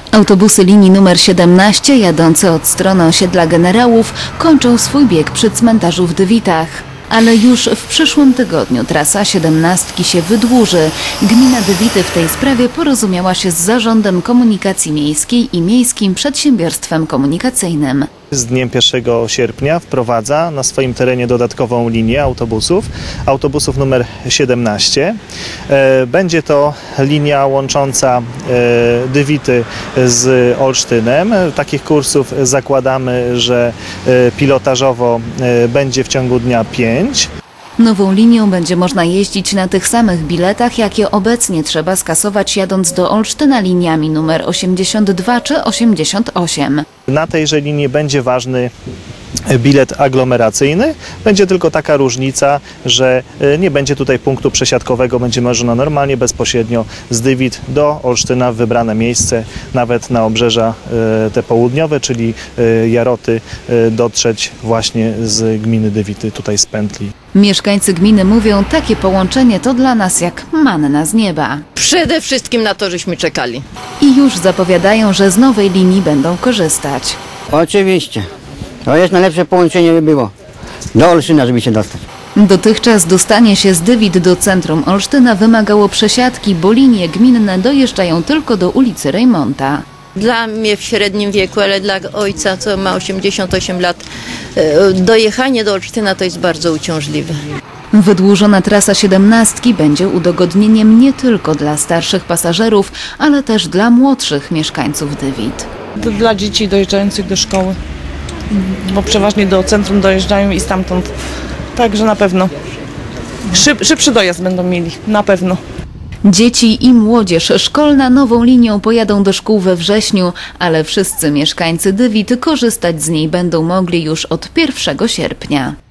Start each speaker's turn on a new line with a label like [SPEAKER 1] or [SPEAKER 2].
[SPEAKER 1] Autobusy linii numer 17 jadące od strony osiedla Generałów kończą swój bieg przy cmentarzu w Dywitach. Ale już w przyszłym tygodniu trasa 17 się wydłuży. Gmina Dywity w tej sprawie porozumiała się z Zarządem Komunikacji Miejskiej i Miejskim Przedsiębiorstwem Komunikacyjnym.
[SPEAKER 2] Z dniem 1 sierpnia wprowadza na swoim terenie dodatkową linię autobusów numer 17. Będzie to linia łącząca Dywity z Olsztynem. Takich kursów zakładamy, że pilotażowo będzie w ciągu dnia 5.
[SPEAKER 1] Nową linią będzie można jeździć na tych samych biletach, jakie obecnie trzeba skasować jadąc do Olsztyna liniami numer 82 czy 88.
[SPEAKER 2] Na tejże linii będzie ważny bilet aglomeracyjny. Będzie tylko taka różnica, że nie będzie tutaj punktu przesiadkowego, będzie można normalnie, bezpośrednio z Dywit do Olsztyna w wybrane miejsce, nawet na obrzeża te południowe, czyli Jaroty, dotrzeć właśnie z gminy Dywity, tutaj z pętli.
[SPEAKER 1] Mieszkańcy gminy mówią, takie połączenie to dla nas jak manna z nieba.
[SPEAKER 3] Przede wszystkim na to, żeśmy czekali.
[SPEAKER 1] I już zapowiadają, że z nowej linii będą korzystać.
[SPEAKER 4] Oczywiście. To jest najlepsze połączenie by było. Do Olsztyna, żeby się dostać.
[SPEAKER 1] Dotychczas dostanie się z Dywit do centrum Olsztyna wymagało przesiadki, bo linie gminne dojeżdżają tylko do ulicy Rejmonta.
[SPEAKER 3] Dla mnie w średnim wieku, ale dla ojca, co ma 88 lat, dojechanie do Olsztyna to jest bardzo uciążliwe.
[SPEAKER 1] Wydłużona trasa 17 będzie udogodnieniem nie tylko dla starszych pasażerów, ale też dla młodszych mieszkańców Dywit.
[SPEAKER 5] Dla dzieci dojeżdżających do szkoły, bo przeważnie do centrum dojeżdżają i stamtąd. Także na pewno szybszy dojazd będą mieli, na pewno.
[SPEAKER 1] Dzieci i młodzież szkolna nową linią pojadą do szkół we wrześniu, ale wszyscy mieszkańcy Dywit korzystać z niej będą mogli już od 1 sierpnia.